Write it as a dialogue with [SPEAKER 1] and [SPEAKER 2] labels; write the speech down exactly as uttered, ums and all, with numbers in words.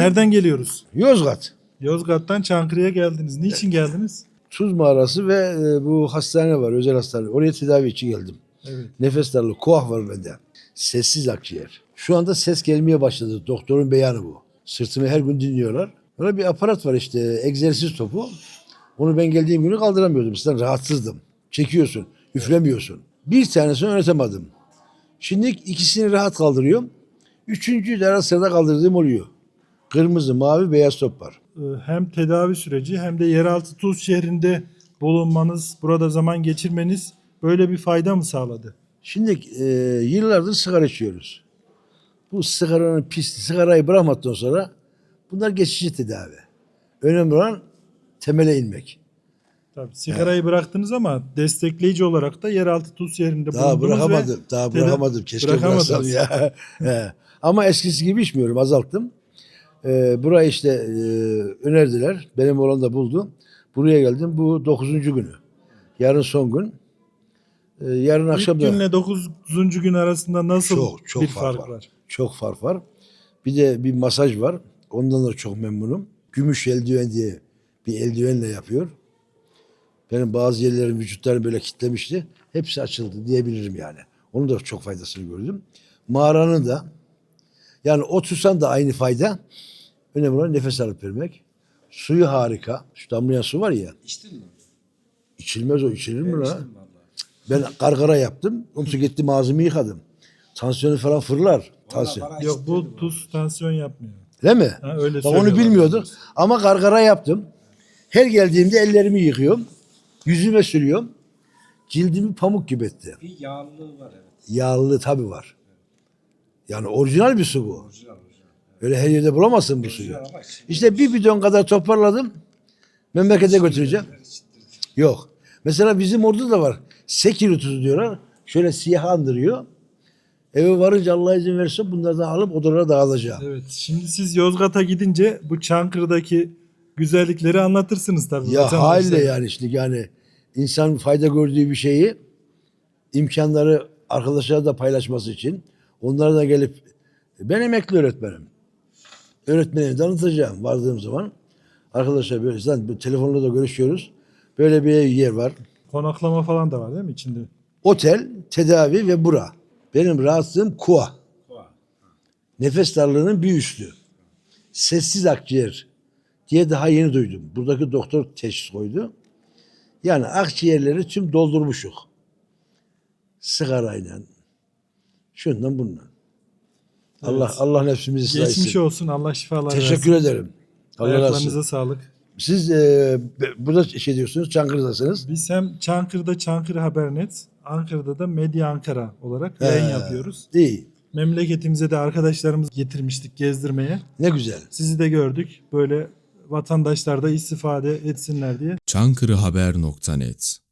[SPEAKER 1] Nereden geliyoruz?
[SPEAKER 2] Yozgat.
[SPEAKER 1] Yozgat'tan Çankırı'ya geldiniz. Niçin geldiniz?
[SPEAKER 2] Tuz mağarası ve e, bu hastane var, özel hastane. Oraya tedavi için geldim.
[SPEAKER 1] Evet.
[SPEAKER 2] Nefes darlığı, koah var bende. Sessiz akciğer. Şu anda ses gelmeye başladı. Doktorun beyanı bu. Sırtımı her gün dinliyorlar. Böyle bir aparat var işte, egzersiz topu. Onu ben geldiğim günü kaldıramıyordum. Sizden rahatsızdım. Çekiyorsun, üflemiyorsun. Bir tanesini öğretemedim. Şimdi ikisini rahat kaldırıyorum. Üçüncüyü de ara sırada kaldırdığım oluyor. Kırmızı, mavi, beyaz top var.
[SPEAKER 1] Ee, Hem tedavi süreci hem de yeraltı Tuz şehrinde bulunmanız, burada zaman geçirmeniz böyle bir fayda mı sağladı?
[SPEAKER 2] Şimdi e, yıllardır sigara içiyoruz. Bu sigaranın pisliği, sigarayı bırakmadıktan sonra bunlar geçici tedavi. Önemli olan temele inmek.
[SPEAKER 1] Tabii sigarayı bıraktınız ama destekleyici olarak da yeraltı Tuz şehrinde
[SPEAKER 2] Daha
[SPEAKER 1] bulundunuz
[SPEAKER 2] bırakamadım,
[SPEAKER 1] ve
[SPEAKER 2] daha
[SPEAKER 1] teda-
[SPEAKER 2] bırakamadım. Keşke
[SPEAKER 1] bırakamadınız.
[SPEAKER 2] bıraksam ya. He. Ama eskisi gibi içmiyorum, azalttım. E, burayı işte e, önerdiler. Benim oğlan da buldu. Buraya geldim. Bu dokuzuncu günü. Yarın son gün. E, yarın akşam
[SPEAKER 1] İlk
[SPEAKER 2] da
[SPEAKER 1] günle dokuzuncu gün arasında nasıl
[SPEAKER 2] çok çok
[SPEAKER 1] bir
[SPEAKER 2] fark,
[SPEAKER 1] fark
[SPEAKER 2] var.
[SPEAKER 1] var?
[SPEAKER 2] Çok fark var. Bir de bir masaj var. Ondan da çok memnunum. Gümüş eldiven diye bir eldivenle yapıyor. Benim bazı yerlerim vücutlarını böyle kitlemişti. Hepsi açıldı diyebilirim yani. Onun da çok faydasını gördüm. Mağaranın da yani otursan da aynı fayda. Önemli olan nefes alıp vermek. Suyu harika. Şu damlayan su var ya.
[SPEAKER 3] İçtin mi?
[SPEAKER 2] İçilmez o, içilir mi
[SPEAKER 3] Ben
[SPEAKER 2] lan?
[SPEAKER 3] içtim vallahi.
[SPEAKER 2] Ben gargara yaptım. Onu gittim ağzımı yıkadım. Tansiyonu falan fırlar. Tansiyon.
[SPEAKER 3] bana
[SPEAKER 1] Yok bu
[SPEAKER 3] içtirdi
[SPEAKER 1] tuz tansiyon yapmıyor.
[SPEAKER 2] Değil mi?
[SPEAKER 1] Ha, öyle
[SPEAKER 2] Bak onu
[SPEAKER 1] söylüyorlar.
[SPEAKER 2] bilmiyorduk. Ama gargara yaptım. Her geldiğimde ellerimi yıkıyorum. Yüzüme sürüyorum. Cildimi pamuk gibi etti.
[SPEAKER 3] Bir yağlılığı var evet.
[SPEAKER 2] Yağlı tabii var. Yani orijinal bir su bu.
[SPEAKER 3] Orijinal orijinal.
[SPEAKER 2] Öyle her yerde bulamazsın bu suyu.
[SPEAKER 3] Orijinal ama içinde
[SPEAKER 2] İşte bir bidon kadar toparladım. Memlekete götüreceğim.
[SPEAKER 3] içtirdi.
[SPEAKER 2] Yok. Mesela bizim orada da var. Sekiri tuzu diyorlar. Şöyle siyah andırıyor. Eve varınca Allah izin verirse bunlardan alıp odalara dağılacağım.
[SPEAKER 1] Evet. Şimdi siz Yozgat'a gidince bu Çankırı'daki güzellikleri anlatırsınız tabii.
[SPEAKER 2] Ya
[SPEAKER 1] vatandaşlara.
[SPEAKER 2] haliyle yani işte yani insan fayda gördüğü bir şeyi imkanları arkadaşlara da paylaşması için onlara da gelip ben emekli öğretmenim. Öğretmenimi tanıtacağım vardığım zaman. Arkadaşlar böyle zaten bu telefonla da görüşüyoruz. Böyle bir yer var.
[SPEAKER 1] Konaklama falan da var değil mi içinde?
[SPEAKER 2] Otel, tedavi ve bura. Benim rahatsızlığım kuah.
[SPEAKER 3] Koa.
[SPEAKER 2] Nefes darlığının bir üstü. Sessiz akciğer diye daha yeni duydum. Buradaki doktor teşhis koydu. Yani akciğerleri tüm doldurmuşuk. Sigarayla, şundan bundan. Allah
[SPEAKER 1] Evet.
[SPEAKER 2] Allah nefsimizi ıslah
[SPEAKER 1] Geçmiş
[SPEAKER 2] etsin.
[SPEAKER 1] olsun. Allah şifalar
[SPEAKER 2] Teşekkür
[SPEAKER 1] versin.
[SPEAKER 2] ederim. Allah razı
[SPEAKER 1] Ayaklarınıza
[SPEAKER 2] olsun.
[SPEAKER 1] sağlık.
[SPEAKER 2] Siz e, burada şey diyorsunuz, Çankırı'dasınız.
[SPEAKER 1] Biz hem Çankırı'da Çankırı Habernet, Ankara'da da Medya Ankara olarak yayın
[SPEAKER 2] He,
[SPEAKER 1] yapıyoruz.
[SPEAKER 2] İyi.
[SPEAKER 1] Memleketimize de arkadaşlarımız getirmiştik gezdirmeye.
[SPEAKER 2] Ne güzel.
[SPEAKER 1] Sizi de gördük. Böyle vatandaşlar da istifade etsinler diye.
[SPEAKER 4] çankırıhaber nokta net